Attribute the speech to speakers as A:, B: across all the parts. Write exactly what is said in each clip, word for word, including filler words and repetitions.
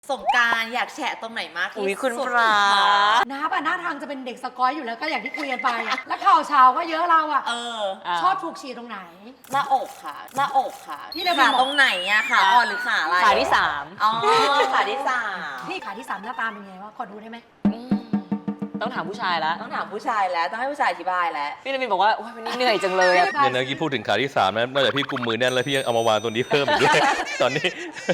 A: สงกรานต์อยากแฉะตรงไหนมากที่
B: อุ๊ยคุณ
A: สุด
B: พระ
C: น้าป่ะหน้าทางจะเป็นเด็กสกอยอยู่แล้วก็อย่างที่คุยกันไปอะแล้วข่าวเช้าก็เยอะเราอะ
A: เออ
C: ชอบถูกฉีดตรงไหน
A: หน้าอกค่ะ หน้าอกค่ะ
C: พี่เลยบ
A: ขา
C: อก
A: ตรงไหนอะขาอ่อนหรือขาอะไร
B: ขาที่สาม
A: อ๋อขาที่สาม
C: พี่ขาที่สามหน้าตาเป็นไงวะขอดูได้ไหม
B: อืมต้องถามผู้ชายแล้ว
A: ต้องถามผู้ชายแล้วต้องให้ผู้ชายอธิบายแล้ว
B: พี่นวินบอกว่าโอ๊ยวันนี้เหนื่อยจังเลยอะ
D: เนี่ยนะกี้พูดถึงขาที่สามนะนอกจากพี่กุมมือแน่นแล้วพี่ยังเอามาวางตัวนี้เพิ่มอีกด้วย ตอนนี้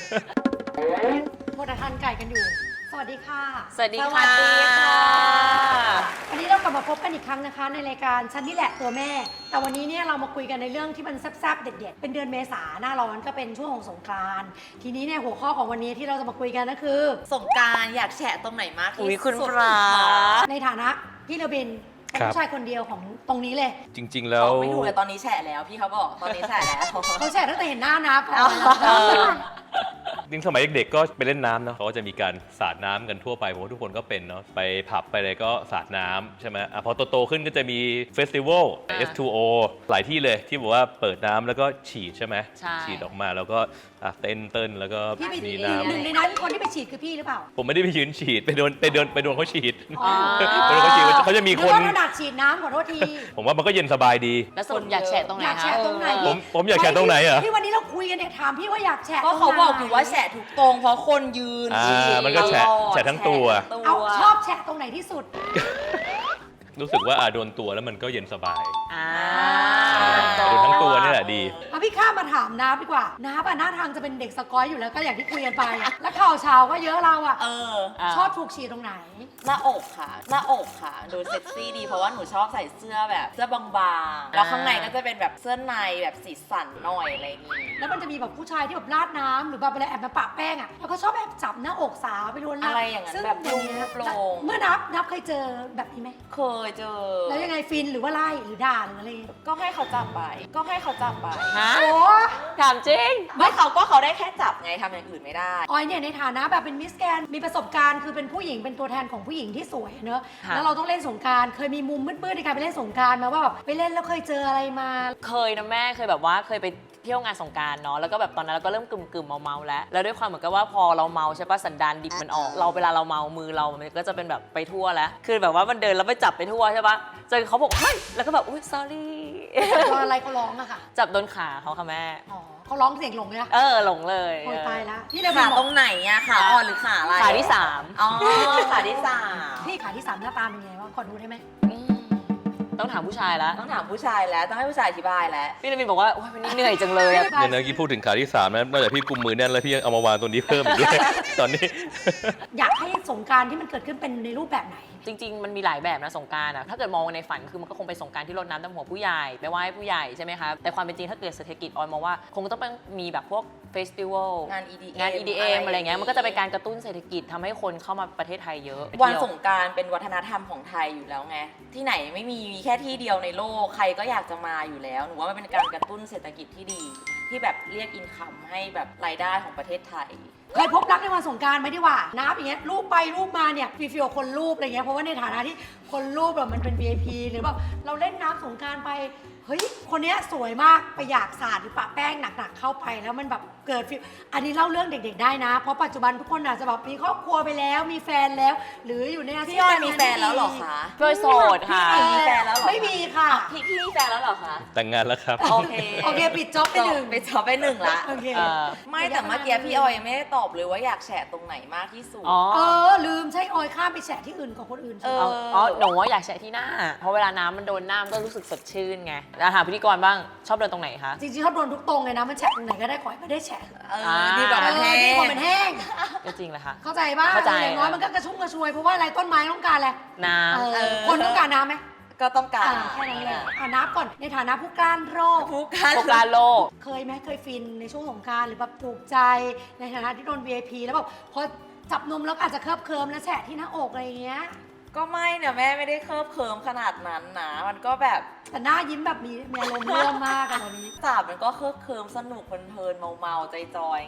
C: โมดทานไก่กันอยู่ สวัสดีค่ะ
B: สวัสดี
A: สวั
B: ค่ะ
A: สดีค่ะ
C: วันนี้เรากลับมาพบกันอีกครั้งนะคะ ในรายการฉันนี่แหละตัวแม่ แต่วันนี้เนี่ยเรามาคุยกันในเรื่องที่มันแซ่บๆเด็ดๆเป็นเดือนเมษาหน้าร้อนก็เป็นช่วงของสงกรานต์ทีนี้เนี่ยหัวข้อของวันนี้ที่เราจะมาคุยกันก็คือ
A: สงกรานต์อยากแฉะตรงไหนมากที่
B: อุ๊ยคุณ
A: สุด
B: พระ
C: ในฐานะพี่เลบินเป็น
D: ครับ
C: ผู้ชายคนเดียวของตรงนี้เลย
D: จริง ๆ แล้ว
A: บอกไม่ถูกเลยตอนนี้แฉะแล้วพี่เขาบอกตอนนี้แฉะแล้ว
C: เขาแชร์ตั้งแต่เห็นหน้านะพอ
A: เออ
D: จริงสมัยเด็กๆก็ไปเล่นน้ำเนาะเขาก็จะมีการสาดน้ำกันทั่วไปผมว่าทุกคนก็เป็นเนาะไปผับไปอะไรก็สาดน้ำใช่ไหมอ่ะพอโตๆขึ้นก็จะมีเฟสติวัล เอส ทู โอ หลายที่เลยที่บอกว่าเปิดน้ำแล้วก็ฉีดใช่ไหม
B: ใช่
D: ฉีดออกมาแล้วก็อ่ะเต้นเต้นแล้วก็
C: พี่ไป
D: มี
C: ห
D: น้
C: นึ่งในนั้นคนที่ไปฉีดคือพี่หรือเปล่า
D: ำผมไม่ได้ไปยืนฉีดไปโดนไปโดนไปโดนเขาฉีด
C: อ๋อ
D: ไปโดนเขาฉีดเขาจะมีคน
C: นึกว่าถนัดฉีดน้ำขอโทษที
D: ผมว่ามันก็เย็นสบายดี
B: แล้วสรุปอยากแฉะตรงไหน
C: อยาก
B: คะ
C: แฉะตรงไหน
D: ผมผมอยากแฉะตรงไหนเหรอ
C: ที่วันนี้เราคุยกันเนี่ยถามพี่ว่าอยากแฉะ
A: ก็เขาบอกอยู่ว่าแฉะถูกตรงเพราะคนยืน
D: อ่า
A: ฉีด
D: มันก็แฉะ
A: ตลอด
D: แฉะทั้งตัว
A: แฉะทั้ง
C: เอา
A: ตัว
C: ชอบแฉะตรงไหนที่สุด
D: รู้สึกว่าอ่ะโดนตัวแล้วมันก็เย็นสบาย
B: อ่า
D: โดนทั้งตัวนี่แหละดี
C: มาพี่ข้ามมาถามน้าดีกว่าน้าป่ะหน้าทางจะเป็นเด็กสกอยอยู่แล้วก็อย่างที่คุยกันไปอะแล้วข่าวเช้าก็เยอะเราอะ
A: เออ
B: า
C: ชอบถูกฉีดตรงไหน
A: หน้าอกค่ะ หน้าอกค่ะ ดูเซ็กซี่ดีเพราะว่าหนูชอบใส่เสื้อแบบเสื้อบางๆ แล้วข้างในก็จะเป็นแบบเสื้อในแบบสีสันหน่อยอะไรอย่างงี้
C: แล้วมันจะมีแบบผู้ชายที่แบบราดน้ำหรือแบบอะไรแอบมาปะแป้งอะแล้วก็ชอบแอบจับหน้าอกสาวไปลวนลาม
A: อะไรอย่างนั้น
C: ซึ่
A: แบบ
C: อย่างเงี้ย
A: โปร่งๆ
C: เมื่อนับนับเคยเจอแบบนี้ไหม
A: เคยเจอ
C: แล้วยังไงฟินหรือว่าไล่หรือด่าหรืออะไร
A: ก็ให้เขาจับไป ก็ให้เขาจับไป
B: ฮะ
C: โอ้
B: ถามจริง
A: ไม่เขาก็เขาได้แค่จับไงทำอย่างอื่นไม่ได้
C: ออยเนี่ยในฐานะแบบเป็นมิสแกนมีประสบการณ์คือเป็นผู้หญิงเป็นตัวแทนของผู้หญิงที่สวยเนอะ
B: ค่ะ
C: แล้วเราต้องเล่นสงกรารเคยมีมุมมืดๆในการไปเล่นสงกรารมาว่าแบบไปเล่นแล้วเคยเจออะไรมา
B: เคยนะแม่เคยแบบว่าเคยไปเที่ยวงานสงกรารเนาะแล้วก็แบบตอนนั้นเราก็เริ่มกึ่มกึ่มๆเมาๆแล้วแล้วด้วยความเหมือนกับว่าพอเราเมาใช่ปะสันดานดิบมันออก เราเวลาเราเมามือเรามันก็จะเป็นแบบไปทั่วแล้วคือแบบว่ามันเดินแล้วไปจับไปทั่วใช่ปะจนเขาบอกเฮ้ยแล้วก็แบบอุ้ย sorry
C: ตอนอะไรเขาร้องอะค่ะ
B: จับโดนขาเขาค่ะแม่
C: อ๋อเขาร้องเสียงหลงเลยนะ
B: เออหลงเลย
C: โอยตายแล้วพี่เลย
A: ขา
C: บ
A: ต
C: อ
A: ร
C: ก
A: งไหนอะขาอ่อนหรือขาอะไร
B: ขาที่สาม
A: อ๋อขาที่สาม
C: พี่ขาที่สามหน้าตาเป็นไงวะขอดูได้ไหม
B: อืมต้องถามผู้ชายแล้ว
A: ต้องถามผู้ชายแล้วต้องให้ผู้ชายอธิบายแล้ว
B: พี่นวินบอกว่าโอ๊ยวันนี้เหนื่อยจังเลยอะ
D: เนี่ยนะกี้พูดถึงขาที่สามนะนอกจากพี่กุมมือแน่นแล้วพี่ยังเอามาวางตัวนี้เพิ่มอีกด้วย ตอนนี้
C: อยากให้สงกรารที่มันเกิดขึ้นเป็นในรูปแบบไหน
B: จริงๆ มันมีหลายแบบนะสงกรานต์อะถ้าเกิดมองในฝันคือมันก็คงเป็นสงกรานต์ที่รดน้ำดำหัวผู้ใหญ่ไปไหว้ผู้ใหญ่ใช่ไหมคะแต่ความเป็นจริงถ้าเกิดเศรษฐกิจออยมองว่าคงต้องมีแบบพวกเฟสติวัล
A: งาน อี ดี เอ็ม
B: งาน อี ดี เอ็ม อะไรเงี้ยมันก็จะเป็นการกระตุ้นเศรษฐกิจทำให้คนเข้ามาประเทศไทยเยอะ
A: วันสงกรารเป็นวัฒนธรรมของไทยอยู่แล้วไง ที่ไหนไม่มีมีแค่ที่เดียวในโลกใครก็อยากจะมาอยู่แล้ว หนูว่ามันเป็นการกระตุ้นเศรษฐกิจที่ดี ที่แบบเรียกอินคัมให้แบบรายได้ของประเทศไทย
C: เคยพบรักในวันสงกรารไหมดีกว่านับอย่างเงี้ยรูปไปรูปมาเนี่ยฟีฟิลคนรูปอะไรเงี้ยเพราะว่าในฐานะที่คนรูปแบบมันเป็น วี ไอ พี หรือแบบเราเล่นน้ำสงกรารไปเฮ้ยคนเนี้ยสวยมากไปอยากสาดหรือปะแป้งหนักๆเข้าไปแล้วมันแบบเกิดฟีลอันนี้เล่าเรื่องเด็กๆได้นะ เพราะปัจจุบันทุกคนอาจจะแบบมีครอบครัวไปแล้วมีแฟนแล้ว หรืออยู่ในอาชีพ
A: พี่ออยมีแฟนแล้วเหรอคะ
B: โดยโสดค่ะ
A: พี่มีแฟนแล้วเหรอ
C: ไม่มีค่ะ
A: พี่พี่มีแฟนแล้วเหรอคะ
D: แต่งงานแล้วครับ
A: โอเค
C: โอเคปิดจ็อบไปหนึ่ง
A: ไปจอบไปหนึ่งละ
C: โอเค
B: เออ
A: ไม่แต่เมื่อกี้พี่ออยยังไม่ได้ตอบเลยว่าอยากแฉตรงไหนมากที่สุด
B: อ๋อ
C: เออลืมใช่ออยข้ามไปแฉะที่อื่นของคนอื่นใช่ไหม
A: เอ
B: เอาอ๋อหนูว่าอยากแฉะที่หน้า เพราะเวลาน้ำมันโดนหน้ามันก็รู้สึกสดชื่นไงแล้วหาพิธีกรบ้างชอบเดินตรงไหนคะ
C: จริงๆชอบโดนทุกตรงเลยนะมันแฉะตรงไหนก็ได้ขอให้ไม่ได้แฉะ
A: เออดีกว่ามันแห้
C: เออดีกว่ามัน
A: ง
C: แห้ง
B: ก็จริงแหละค่ะ
C: เข้าใจป่ะ
B: เข้าใจ
C: อย่างน้อยมันก็กระชุ่มกระชวยเพราะว่าอะไรต้นไม้ต้องการอะไร
B: น้
C: เอ
A: เอ
C: อ
A: อ
C: คนต้องการน้ำไหม
A: ก็ต้องการ
C: อ่าแค่นั้นเลยอ่านับก่อนในฐานะผู้กล้านโรค
A: ผู้การ
B: ำโฟกัสโลก
C: เคยไหมเคยฟินในช่วงสงกรารหรือแบบถูกใจในฐานะที่โดน วี ไอ พี แล้วแบบพอจับนมแล้วอาจจะเคิบเคิมแล้วแฉะที่หน้าอกอะไรอย่างเงี้ย
A: ก็ไม่เนี่ยแม่ไม่ได้เคิบเคิมขนาดนั้นนะมันก็แบบ
C: แต่หน้ายิ้มแบบมีมีอารมณ์ร่วมมากอะตอนนี้
A: จับมันก็เคิบเคิมสนุกเพลินๆเมาๆใจจอยไง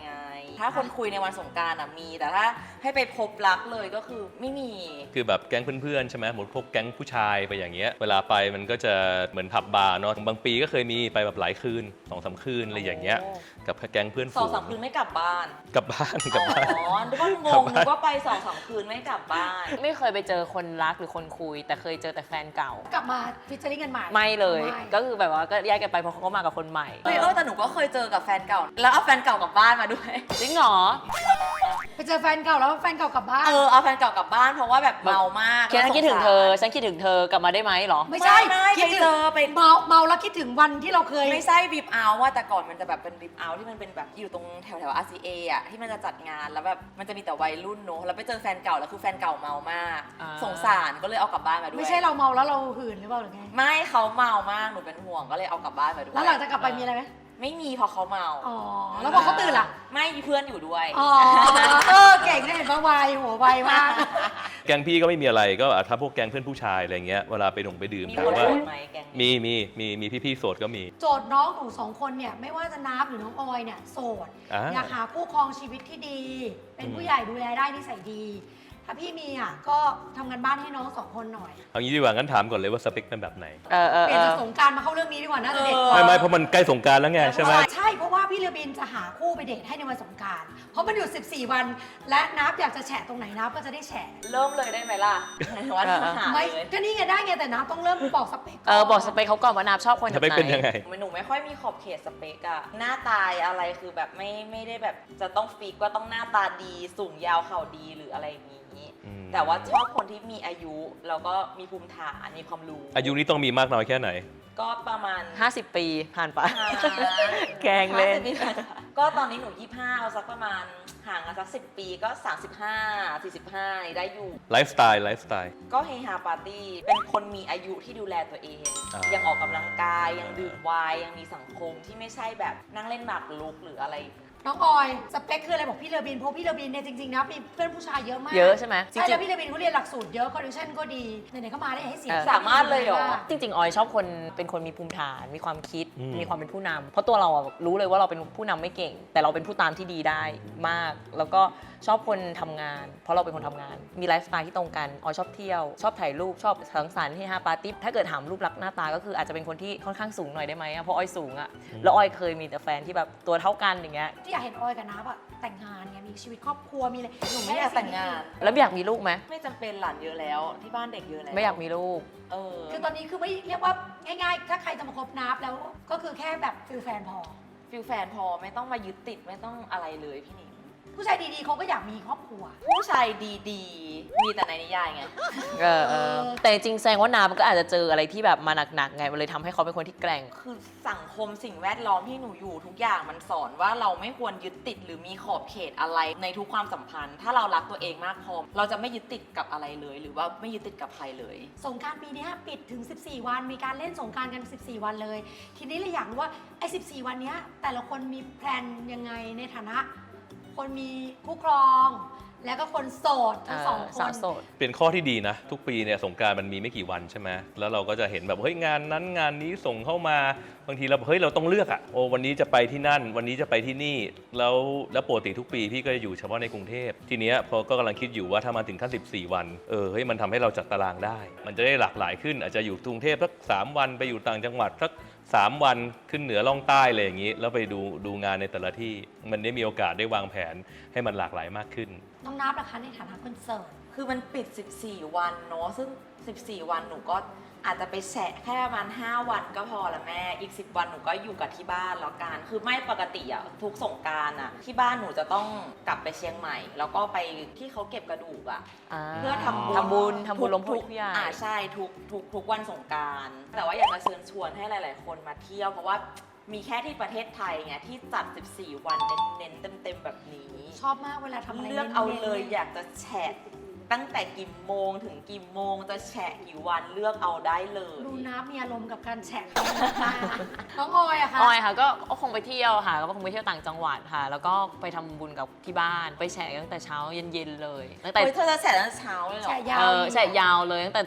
A: ถ้าคนคุยในวันสงกรานต์อะมี แต่ถ้าให้ไปพบรักเลยก็คือไม่มี
D: คือแบบแก๊งเพื่อนๆใช่ไหมหมดพวกแก๊งผู้ชายไปอย่างเงี้ยเวลาไปมันก็จะเหมือนผับบาร์เนาะบางปีก็เคยมีไปแบบหลายคืนสองสามคืนอะไรอย่างเงี้ยกับแก๊งเพื่อน
A: ส
D: ฝู
A: อง
D: ง
A: สามคืนไม่กลับบ้าน
D: กลับบ้านก
A: อ๋
D: ลับบ้าน
A: อนึกว่างงนึกว่าไปสองสามคืนไม่กลับบ้าน
B: ไม่เคยไปเจอคนรักหรือคนคุย แต่เคยเจอแต่แฟนเก่า
C: กลับมาฟิชเชอริ่งกันใหม่
B: ไม่เลย
C: ไม่
B: ก็คือแบบว่าก็แยกกันไปเพราะเขาก็มากับคนใหม่
A: เฮ้ยเออแต่หนูก็เคยเจอกับแฟนเก่า แล้วเอาแฟนเก่ากลับบ้านมาด้วย
B: จริงเหรอ
C: ไปเจอแฟนเก่าแล้วแฟนเก่ากลับบ้าน
A: เออเอาแฟนเก่ากลับบ้านเพราะว่าแบบเมามาก
B: ฉันคิดถึงเธอ ฉันคิดถึงเธอกลับมาได้ไหมเหรอ
C: ไม่ใช่
A: ไม่ไม่
C: คิดถึง
A: ไปเจอไป
C: เมาเมาแล้วคิดถึงวันที่เราเคย
A: ไม่ใช่บีบเอาว่าแต่ก่อนมันจะแบบเป็นบีบเอาที่มันเป็นแบบอยู่ตรงแถวแถว อาร์ ซี เอ อ่ะที่มันจะจัดงานแล้วแบบมันจะมีแต่วัยรุ่นเนอะแล้วไปเจอแฟนเก่าแล้วคือแฟนเก่าเมามาก
B: อ่า
A: สงสารก็เลยเอากลับบ้านมาด้วย
C: ไม่ใช่เราเมาแล้วเราหื่นหรือเปล่าหรือไง
A: ไม่เขาเมามากหนูเป็นห่วงก็เลยเอากลับบ้านมาด้วย
C: แล้วหลังจากกลับไปมีอะไรไหม
A: ไม่มีพอเขาเมา
C: อ๋อ แล้วพอเขาตื่นล่ะ
A: ไม่มีเพื่อนอยู่ด้วย
C: อ๋อ เออ เก่งเนี่ยเห็นปะไวหัวไวมาก
D: แก๊งพี่ก็ไม่มีอะไรก็ถ้าพวกแก๊งเพื่อนผู้ชายอะไรเงี้ยเวลาไปดงไปดื่ม
A: มี
D: ถา
A: ค
D: ม
A: น
D: ว่า
A: โสดไหมแกงนี้
D: มีมีมีมีพี่ๆโสดก็มี
C: โจทย์น้องหนูสองคนเนี่ยไม่ว่าจะนับหรือน้องออยเนี่ยโสด
D: อ่า
C: อยากหาคู่ครองชีวิตที่ดี เป็นผู้ใหญ่ดูแลได้นิสัยดี ถ้าพี่มีอ่ะก็ทำงานบ้านให้น้องสองคนหน่อย
D: เอางี้ดีกว่างั้นถามก่อนเลยว่าสเปคเป็นแบบไหน
B: เออเออ
C: เป
B: เอ
C: ลี่ยน
B: อ
C: จากสงกรารมาเข้าเรื่องนี้ดีกว่าน่าจะเด็ดกว่า
D: ไม่ไม่เพราะมันใกล้สงกรารแล้วไงใช่ไหม
C: ใช่เพราะว่าพี่เรือบินจะหาคู่ไปเดทให้ในวันสงกรารเพราะมันอยู่สิบสี่วัน และนับอยากจะแฉะตรงไหนนับก็จะได้แฉะ
A: เริ่มเลยได้ไหมล่ะว่าหา
C: ไม่
A: เลย
C: ก็นี่ไงได้ไงแต่นับต้องเริ่มบอกสเปค
B: เออบอกสเปคเขาก่อนว่านาบชอบคนแบ
D: ส
B: บ
D: เปค
B: ไห
D: เป็นยัง
B: น
D: ไง
A: หนูไม่ค่อยมีขอบเขตสเปกอะหน้าตายอะไรคือแบบไม่ไม่ได้แบบจะต้องฟิกว่าต้องหน้าตาดีสูงยาวเข่าดีหรืออะไรอย่างนี้
D: อืม
A: แต่ว่าชอบคนที่มีอายุแล้วก็มีภูมิฐานมีความรู้
D: อายุนี้ต้องมีมากน้อยแค่ไหน
A: ก็ประมาณ
B: ห้าสิบปีผ่านไป
A: ห้า
B: แกล้งเล่น
A: ห้าสิบปีก็ตอนนี้หนูยี่สิบห้าเอาสักประมาณห่างกันสักสิบปีก็สามสิบห้า สี่สิบห้านี่ได้อยู่
D: ไลฟ์สไตล์ไลฟ์สไตล์
A: ก็เฮฮาปาร์ตี้เป็นคนมีอายุที่ดูแลตัวเอง
D: อ่ายั
A: ยังออกกำลังกายยังดื่มไวน์ยังมีสังคมที่ไม่ใช่แบบนั่งเล่นหมากรุกหรืออะไร
C: น้องออยสเปคคืออะไรบอกพี่เรือบินเพราะพี่เรือบินเนี่ยจริงๆนะมีเพื่อนผู้ชายเยอะมาก
B: เยอะใช่ไหมจริ
C: ใช่
B: ง
C: แล้วพี่เรือบินเขาเรียนหลักสูตรเยอะคอนดิชั่นก็ดีไหนๆก็มาได้ให้เสีย
B: เออ
A: สามารถเลยเหรอ
B: ๆจริง ๆ ออยชอบคนเป็นคนมีภูมิฐาน มีความคิด
D: อืม
B: มีความเป็นผู้นำเพราะตัวเราอะรู้เลยว่าเราเป็นผู้นำไม่เก่ง แต่เราเป็นผู้ตามที่ดีได้มาก แล้วก็ชอบคนทำงาน เพราะเราเป็นคนทำงาน มีไลฟ์สไตล์ที่ตรงกัน ออยชอบเที่ยว ชอบถ่ายรูป ชอบสังสรรค์เฮฮาปาร์ตี้ ถ้าเกิดถามรูปลักษณ์หน้าตาก็คืออาจจะเป็นคนที่ค่อนข้างสูงหน่อยได้ไหมอะเพราะออยสูงอะแล้วออยเคยมีแต่แฟนที่แบบตัวเท่ากันอย่างเงี้ย
C: ที่อยากเห็นออยกับนับอะแต่งงานไงมีชีวิตครอบครัวมีอะไร
A: หนูไม่อยากแต่งงาน
B: แล้วอยากมีลูกไหม
A: ไม่จำเป็นหลานเยอะแล้วที่บ้านเด็กเยอะแล้ว
B: ไม่อยากมีลูก
A: เออ
C: คือตอนนี้คือไม่เรียกว่าง่ายๆ ถ้าใครจะมาคบนับแล้วก็คือแค่แบบฟิลแฟนพอ
A: ฟิลแฟนพอไม่ต้องมายึดติดไม่ต้องอะไรเลยพี่หนิง
C: ผู้ชายดีๆเขาก็อยากมีครอบครัว
A: ผู้ชายดีๆ มีแต่ในนิยายไง
B: เออเออแต่จริงๆแสดงว่านามันก็อาจจะเจออะไรที่แบบมาหนักๆไง มันเลยทำให้เขาเป็นคนที่แกร่ง
A: คือสังคมสิ่งแวดล้อมที่หนูอยู่ทุกอย่างมันสอนว่าเราไม่ควรยึดติดหรือมีขอบเขตอะไรในทุกความสัมพันธ์ ถ้าเรารักตัวเองมากพอเราจะไม่ยึดติดกับอะไรเลย หรือว่าไม่ยึดติดกับใครเลย
C: สงกรารปีเนี้ยปิดถึง สิบสี่ วัน มีการเล่นสงกรารกัน สิบสี่ วันเลย ทีนี้เลยอยากรู้ว่าไอ้สิบสี่ วันเนี้ยแต่ละคนมีแพลนยังไงในฐานะ คนมีคู่ครอง แล้วก็คนโสดทั้งสองค
B: สาวน โสด
D: เป็นข้อที่ดีนะ ทุกปีเนี่ยสงกรานต์มันมีไม่กี่วันใช่ไหมแล้วเราก็จะเห็นแบบเฮ้ยงานนั้นงานนี้ส่งเข้ามาบางทีเราเฮ้ยเราต้องเลือกอะโอ้วันนี้จะไปที่นั่น วันนี้จะไปที่นี่แล้วแล้วปกติทุกปีพี่ก็จะอยู่เฉพาะในกรุงเทพทีเนี้ยพอก็กำลังคิดอยู่ว่าถ้ามาถึงขั้นสิบสี่ วันเออเฮ้ยมันทำให้เราจัดตารางได้ มันจะได้หลากหลายขึ้น อาจจะอยู่กรุงเทพสักสามวันไปอยู่ต่างจังหวัดสักสามวันขึ้นเหนือล่องใต้อะไรอย่างนี้แล้วไปดูดูงานในแต่ละที่มันได้มีโอกาสได้วางแผนให้มันหลากหลายมากขึ้น
C: น้องนับนะคะในฐานะคนโสด
A: คือมันปิด สิบสี่ วันเนาะซึ่ง สิบสี่ วันหนูก็อาจจะไปแฉะแค่ประมาณห้าวันก็พอละแม่อีกสิบวันหนูก็อยู่กับที่บ้านแล้วกันคือไม่ปกติอะทุกสงกรานต์อะที่บ้านหนูจะต้องกลับไปเชียงใหม่ แล้วก็ไปที่เขาเก็บกระดูกอะ เพื่อทำบุญ
B: ทำบุญทำบุญลม
A: ทุ
B: พุ
A: ก
B: ทุกอย่าง
A: อ่าใช่ทุกทุกทุกวันสงกรานต์แต่ว่าอยากจะเชิญชวนให้หลาย ๆ คนมาเที่ยว เพราะว่ามีแค่ที่ประเทศไทยไงที่จัด สิบสี่ วันเน้นๆเต็ม ๆ แบบนี้
C: ชอบมากเวลาทำอะไร
A: เลือกเอา
C: น้นๆ
A: เลยอยากจะแฉะตั้งแต่กี่โมงถึงกี่โมงจะแฉะกี่วันเลือกเอาได้เลย
C: ดูนับมีอารมณ์กับการแฉะมากน้องออยอะคะ
B: ออยค่ะก็ก็คงไปเที่ยวค่ะก็คงไปเที่ยวต่างจังหวัดค่ะ แล้วก็ไปทำบุญกับที่บ้านไปแฉตั้งแต่เช้าเย็นๆเลยตั้งแต่
A: เฮ้ยเธอจะแฉะตั้งแต่เช้าเลยเหรอ
C: แฉะยาว
B: เออแฉยาวเลยตั้งแต่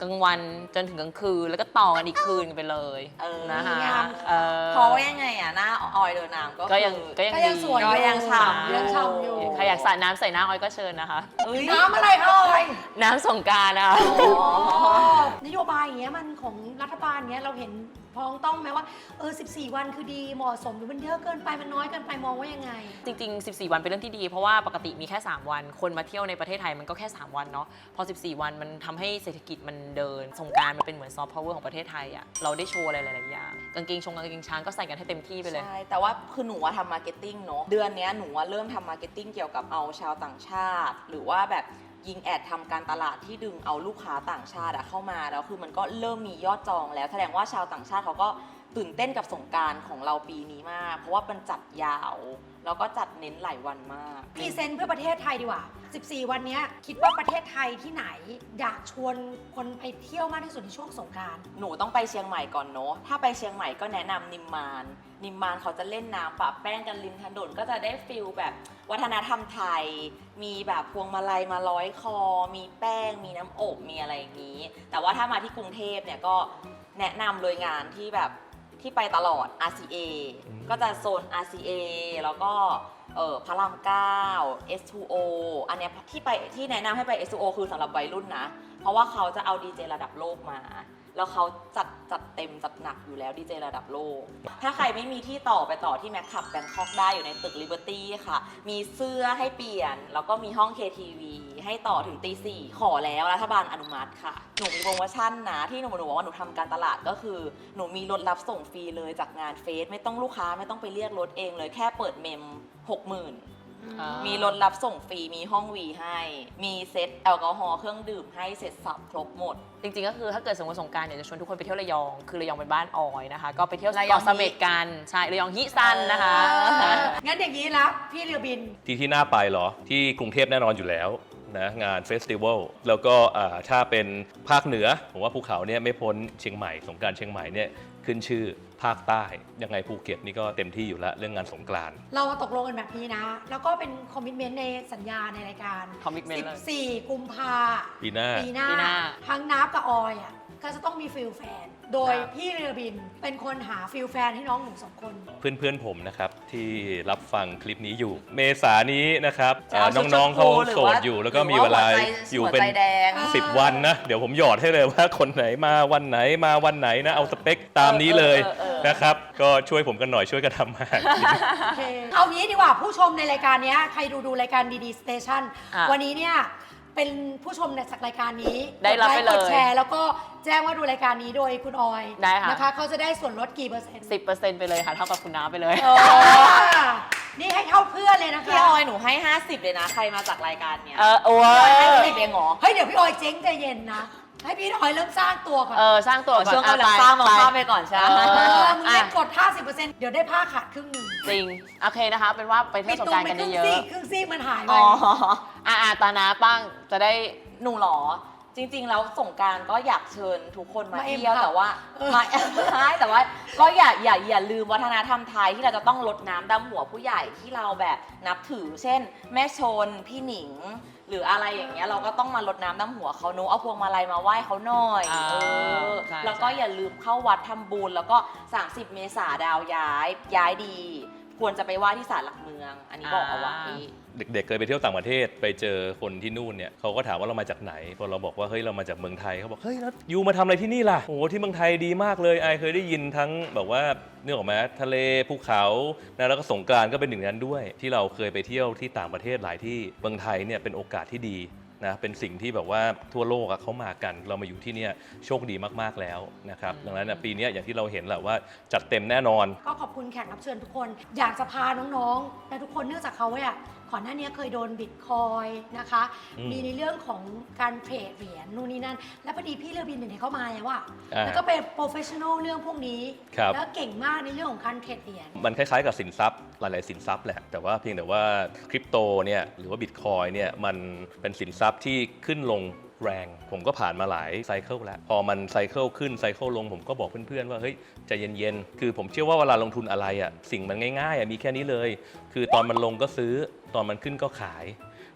B: กลางวันจนถึงกลางคืนแล้วก็ต่อกันอีกคืนไปเลย
A: เออ
B: นะคะ
C: งาม
B: เออ
A: เพราะว่ายังไงอ่ะหน้าออยเดินน้ำก็
B: ก็ยัง
A: คือ
B: ก็ยัง
C: ก็ยัง
B: ดี
C: สวยอยู่
A: ก็ยังฉ่ำอยู่
C: ยังฉ่ำอยู่
B: ใครอยากสาดน้ำใส่หน้าออยก็เชิญนะคะ
A: เอ้ย
C: น้ำอะไรคะออย
B: น้ำสงกรานต์นะคะ
C: นโยบายอย่างเงี้ยมันของรัฐบาลเงี้ยเราเห็นพ้องต้องไหมว่าเออสิบสี่วันคือดีเหมาะสมหรือมันเยอะเกินไปมันน้อยเกินไปมองว่ายังไง
B: จริงๆ สิบสี่ วันเป็นเรื่องที่ดี เพราะว่าปกติมีแค่ สาม วัน คนมาเที่ยวในประเทศไทยมันก็แค่ สาม วันเนาะ พอ สิบสี่ วันมันทำให้เศรษฐกิจมันเดิน สงกรานต์มันเป็นเหมือนซอฟต์พาวเวอร์ของประเทศไทยอะเราได้โชว์อะไรหลายๆอย่าง กางเกงชงกางเกงช้างก็ใส่กันให้เต็มที่ไปเลย
A: ใช่ แต่ว่าคือหนูว่าทำมาร์เก็ตติ้งเนาะ เดือนเนี้ยหนูว่าเริ่มทำมาร์เก็ตติ้งเกี่ยวกับเอาชาวต่างชาติ หรือว่าแบบยิงแอดทำการตลาดที่ดึงเอาลูกค้าต่างชาติอะเข้ามา แล้วคือมันก็เริ่มมียอดจองแล้ว แสดงว่าชาวต่างชาติเขาก็ตื่นเต้นกับสงกรานต์ของเราปีนี้มาก เพราะว่ามันจัดยาว แล้วก็จัดเน้นหลายวันมาก
C: พรีเซนต์เพื่อประเทศไทยดีกว่า สิบสี่ วันเนี้ยคิดว่าประเทศไทยที่ไหนอยากชวนคนไปเที่ยวมากที่สุดในช่วงสงกรานต์
A: หนูต้องไปเชียงใหม่ก่อนเนาะ ถ้าไปเชียงใหม่ก็แนะนำนิมมาน นิมมานเขาจะเล่นน้ำปะแป้งกันริมถนนก็จะได้ฟิลแบบวัฒนธรรมไทย มีแบบพวงมาลัยมาร้อยคอ มีแป้ง มีน้ำอบ มีอะไรอย่างนี้ แต่ว่าถ้ามาที่กรุงเทพเนี่ยก็แนะนำเลยงานที่แบบที่ไปตลอด อาร์ ซี เอ
D: อืม
A: ก็จะโซน อาร์ ซี เอ แล้วก็เออพระรามเก้า เอส ทู โอ อันเนี้ยที่ไปที่แนะนำให้ไป เอส ทู โอ คือสำหรับวัยรุ่นนะ เพราะว่าเขาจะเอาดีเจระดับโลกมา แล้วเขาจัดจัดเต็มจัดหนักอยู่แล้วดีเจระดับโลก ถ้าใครไม่มีที่ต่อไปต่อที่แมคคับแบงคอกได้อยู่ในตึก Liberty ค่ะ มีเสื้อให้เปลี่ยน แล้วก็มีห้อง เค ที วี ให้ต่อถึงตีสี่ขอแล้วรัฐบาลอนุมัติค่ะ หนูมีโปรโมชั่นนะที่หนูหนูบอกว่าหนูทำการตลาดก็คือ หนูมีรถรับส่งฟรีเลยจากงานเฟสไม่ต้องลูกค้าไม่ต้องไปเรียกรถเองเลยแค่เปิดเมม หกหมื่น
B: อ่า
A: มีรถรับส่งฟรี มีห้องวีให้ มีเซ็ตแอลกอฮอล์เครื่องดื่มให้เสร็จสับครบหมด
B: จริงๆ ก็คือถ้าเกิดสมมติสงกรานต์อยากจะชวนทุกคนไปเที่ยวระยอง คือระยองเป็นบ้านออยนะคะ ก็ไปเที่ยว
A: ระยอง
B: เกาะเสม็ดกัน ใช่ ระยองฮิซันนะคะ
C: งั้นอย่างนี้แล้วพี่เรือบิน
D: ที่ที่น่าไปเหรอ ที่กรุงเทพแน่นอนอยู่แล้วนะงานเฟสติวัลแล้วก็อ่าถ้าเป็นภาคเหนือ ผมว่าภูเขาเนี่ยไม่พ้นเชียงใหม่สงกรานต์เชียงใหม่เนี่ยขึ้นชื่อภาคใต้ ยังไงภูเก็ตนี่ก็เต็มที่อยู่แล้วเรื่องงานสงกรานต์
C: เราตกลงกันแบบนี้นะ แล้วก็เป็นคอมมิชเมนต์ในสัญญาในรายการ
B: commitment เลย
C: สิบสี่กุมภา
D: ปีหน้า
C: ปีหน้า
B: ปีหน้า
C: ทั้งนับกับออยอ่ะก็จะต้องมีฟิลแฟน โดย
B: ครับ
C: พี่เรือบินเป็นคนหาฟิลแฟนให้น้องหนูสองคน
D: เพื่อนๆผมนะครับ ที่รับฟังคลิปนี้อยู่ เมษานี้นะครับ
A: จะเอา
D: อ่าน้องๆเขา
A: ชุดชมพูหรือ
D: โส
A: ว่า
D: ดอยู่ แล้วก็
A: หรือ
D: มี
A: ว่า
D: เวลา
A: หัวใจ
D: อยู่
A: หัว
D: เป็น
A: ใจแดง
D: สิบวันนะ เดี๋ยวผมหยอดให้เลยว่าคนไหนมาวันไหนมาวันไหนนะ เอาสเปคตามนี้เลย
A: เออเออเออ
D: นะครับ ก็ช่วยผมกันหน่อยช่วยกันทำมา
C: โอเค เอางี้ดีกว่าผู้ชมในรายการเนี้ยใครดูดูรายการดีๆสเตชัน
B: อ่ะ
C: วันนี้เนี่ยเป็นผู้ชมในจากรายการนี้
B: ได้รับไปเลย
C: กดแชร์แล้วก็แจ้งว่าดูรายการนี้โดยคุณออย
B: ได้ค่ะ
C: นะคะเขาจะได้ส่วนลดกี่เปอร์เซ็นต์
B: สิบเปอร์เซ็นต์ไปเลยค่ะ เท่ากับคุณน้าไปเลย
A: โอ้
C: อ่านี่ให้เท่าเพื่อนเลยนะคะ
A: พี่ออยหนูให้ ห้าสิบ เลยนะ ใครมาจากรายการเนี้ย
B: เออโอ้
A: ให้
B: ย
A: สิบเองเหรอ
C: เฮ้ยเดี๋ยวพี่ออยเจ๊งใจเย็นนะ ให้พี่ออยเริ่มสร้างตัวก่อน
B: เออ สร้างตัวก่อน
A: ช่วงกำลัง
B: อ่ะ
A: สร้างมา
B: ไป
A: ข้ามไปก่อนใช่ไหม
B: เอ
C: เอ
B: อ
C: อมึงเล่นกด ห้าสิบเปอร์เซ็นต์ เดี๋ยวได้ผ้าขาดครึ่งหนึ่ง
B: จริง โอเคนะคะ เป็นว่าไปเที่ยวสงกรานต์กันเยอะ
C: ครึ่งซีกมันหายไป
A: อ๋อ
B: ๆอ่ะอ่ะตาน้าป้างจะได้
A: หนูเหรอ จริง ๆ แล้วสงกรารก็อยากเชิญทุกคนมา
C: มาเอ็ม
A: เที่ยว
C: ค่ะ
A: แต่ว่า
C: เออ
A: มา ใช่แต่ว่าก็อย่าอย่าอย่าลืมวัฒนธรรมไทยที่เราจะต้องรดน้ำดำหัวผู้ใหญ่ที่เราแบบนับถือ เช่น แม่ชนพี่หนิง หรืออะไรอย่างเงี้ยเราก็ต้องมารดน้ำดำหัวเขาเนอะเอาพวงมาลัยมาไหว้เขาหน่อย
B: อ่า
A: เออ
B: ใช่
A: แล้วก็
B: ใช่
A: อย่าลืมเข้าวัดทำบุญแล้วก็สามสิบเมษาดาวย้ายย้ายดี ควรจะไปไหว้ที่ศาลหลักเมือง อันนี้บอกเอาไว้
D: เด็กๆเคยไปเที่ยวต่างประเทศไปเจอคนที่นู่นเนี่ยเขาก็ถามว่าเรามาจากไหนพอเราบอกว่าเฮ้ยเรามาจากเมืองไทยเขาบอกเฮ้ยแล้วยูมาทำอะไรที่นี่ล่ะโอ้โหที่เมืองไทยดีมากเลยไอเคยได้ยินทั้งแบบว่าเนื่องออกมาทะเลภูเขานะแล้วก็สงกรานต์ก็เป็นหนึ่งในนั้นด้วย ที่เราเคยไปเที่ยวที่ต่างประเทศหลายที่เมืองไทยเนี่ยเป็นโอกาสที่ดีนะเป็นสิ่งที่แบบว่าทั่วโลกอะเขามากันเรามาอยู่ที่เนี่ยโชคดีมากๆแล้วนะครับดังนั้นนะปีนี้อย่างที่เราเห็นแหละว่าจัดเต็มแน่นอน
C: ก็ขอบคุณแขกรับเชิญทุกคน อยากจะพาน้องๆ และทุกคนเนื่องจากเขาเนี่ยก่อนหน้านี้เคยโดนบิตคอยนะคะ
D: อืม
C: มีในเรื่องของการเทรดเหรียญนู่นนี่นั่น และพอดีพี่เรือบินเนี่ยเข้ามาแล้วว่า
D: อ่า
C: แล้วก็เป็นโปรเฟชชั่นอลเรื่องพวกนี้
D: ครับ
C: แล้วเก่งมากในเรื่องของการเทรดเหรียญ
D: มันคล้ายๆกับสินทรัพย์หลายๆสินทรัพย์แหละแต่ว่าเพียงแต่ว่าคริปโตเนี่ยหรือว่าบิตคอยเนี่ยมันเป็นสินทรัพย์ที่ขึ้นลงแรง ผมก็ผ่านมาหลายไซเคิลแล้ว พอมันไซเคิลขึ้นไซเคิลลงผมก็บอกเพื่อนๆว่าเฮ้ยใจเย็นๆคือผมเชื่อว่าเวลาลงทุนอะไรอ่ะสิ่งมันง่ายๆอ่ะมีแค่นี้เลย คือตอนมันลงก็ซื้อตอนมันขึ้นก็ขาย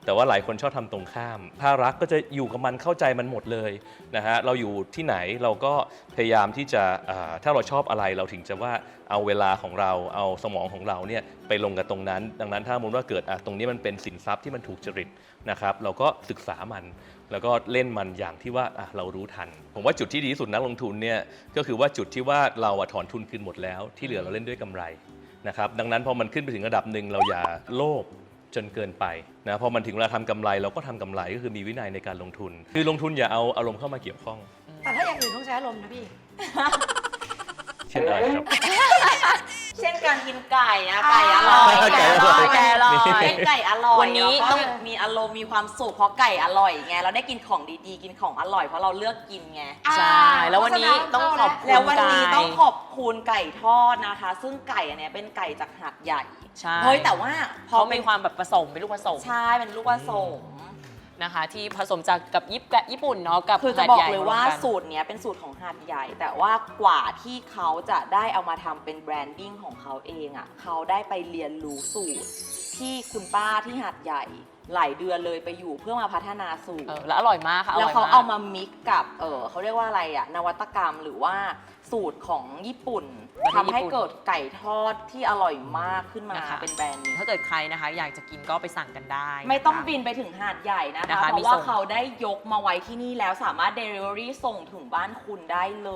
D: แต่ว่าหลายคนชอบทำตรงข้าม ถ้ารักก็จะอยู่กับมันเข้าใจมันหมดเลยนะฮะเราอยู่ที่ไหนเราก็พยายามที่จะอ่าถ้าเราชอบอะไรเราถึงจะว่าเอาเวลาของเราเอาสมองของเราเนี่ยไปลงกับตรงนั้น ดังนั้นถ้าสมมติว่าเกิดอ่ะตรงนี้มันเป็นสินทรัพย์ที่มันถูกจริตนะครับเราก็ศึกษามัน แล้วก็เล่นมันอย่างที่ว่าอ่ะเรารู้ทัน ผมว่าจุดที่ดีที่สุดนักลงทุนเนี่ยก็คือว่าจุดที่ว่าเราอะถอนทุนคืนหมดแล้วที่เหลือเราเล่นด้วยกำไรนะครับดังนั้นพอมันขึ้นไปถึงระดับหนึ่งเราอย่าโลภจนเกินไปนะพอมันถึงเวลาทำกำไรเราก็ทำกำไรก็คือมีวินัยในการลงทุน คือลงทุนอย่าเอาอารมณ์เข้ามาเกี่ยวข้อง
C: แต่ถ้าอย่างอื่นต้องใช้อารมณ์นะพี่
D: เช่นอะไรครับ
A: เช่นการกินไก่นะไก่อร่อย
D: ไก่อร่อย
A: ไก่อร่อยเป็นไก่อร่อย
B: วันนี้
A: แล้วก็
B: ต้อง
A: มีอารมณ์มีความสุขเพราะไก่อร่อยไงเราได้กินของดีๆกินของอร่อยเพราะเราเลือกกินไง
B: ใช่แล้ววันนี้ต้องขอบคุณ
A: แล้ววันนี้
B: ไก่
A: ต้องขอบคุณไก่ทอดนะคะ ซึ่งไก่อันเนี้ยเป็นไก่จากหาดใหญ่
B: ใช่
A: เฮ้ยแต่ว่าพอ
B: เขา
A: เป็
B: มี
A: น
B: ความแบบผสมเป็นลูกผสม
A: ใช่เป็นลูกผสม
B: นะคะที่ผสมจากกับญี่ปุ่นญี่ปุ่นเนาะกับ
A: คือจะ
B: หาด
A: บอก
B: ใหญ่
A: เลยว่า
B: ร่มกัน
A: สูตรเนี้ยเป็นสูตรของหาดใหญ่ แต่ว่ากว่าที่เขาจะได้เอามาทำเป็นแบรนดิ้งของเขาเองอะ่ะเขาได้ไปเรียนรู้สูตร ที่คุณป้าที่หาดใหญ่หลายเดือนเลยไปอยู่เพื่อมาพัฒนาสูตร
B: เออแล้วอร่อยมากค่ะ
A: แล้ว
B: ร่ย
A: เขา
B: ก
A: เอามามิกกับเออเขาเรียกว่าอะไรอะนวัตกรรมหรือว่าสูตรของญี่ปุ่น
B: ประเทศ
A: ทำให้
B: ญี่ปุ่น
A: เกิดไก่ทอดที่อร่อยมากขึ้นมา
B: นะคะ
A: เป็นแบรนด์นี้
B: ถ้าเกิดใครนะคะอยากจะกินก็ไปสั่งกันได้
A: ไม่ต้อง
B: นะคะ
A: บินไปถึงหาดใหญ่นะคะ
B: นะคะ
A: เพ
B: มี
A: ราะว่า
B: ส่ง
A: เขาได้ยกมาไว้ที่นี่แล้วสามารถ Delivery ส่งถึงบ้านคุณได้เลย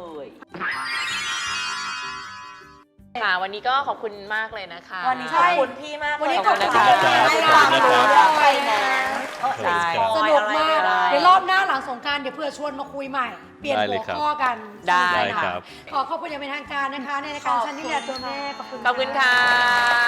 B: ค่ะวันนี้ก็ขอบคุณมากเลยนะคะ
A: วันนี้ขอบคุณพี่มาก
C: วันนี้
A: เลย
C: ขอบคุณ
A: ที่
C: ค่ะ
A: ให้ความรู้เรื่องไฟแนนซ์
B: ใช่
C: สนุกมาก
A: อะไร
C: เดี๋ยวรอบหน้าหลังสงกรารเดี๋ยวเพื่อชวนมาคุยใหม่ เปลี่ยน
D: ได้เล
C: หั
D: ยว ครับ
C: ข้อกัน
B: ได้
C: สนุกสนาน
D: ครับ
C: ขอขอบคุณอย่างเป็นทางการนะคะ ในรายการชันนี่แหละตัวแม่ขอบคุณ
B: ขอบคุณค่ะ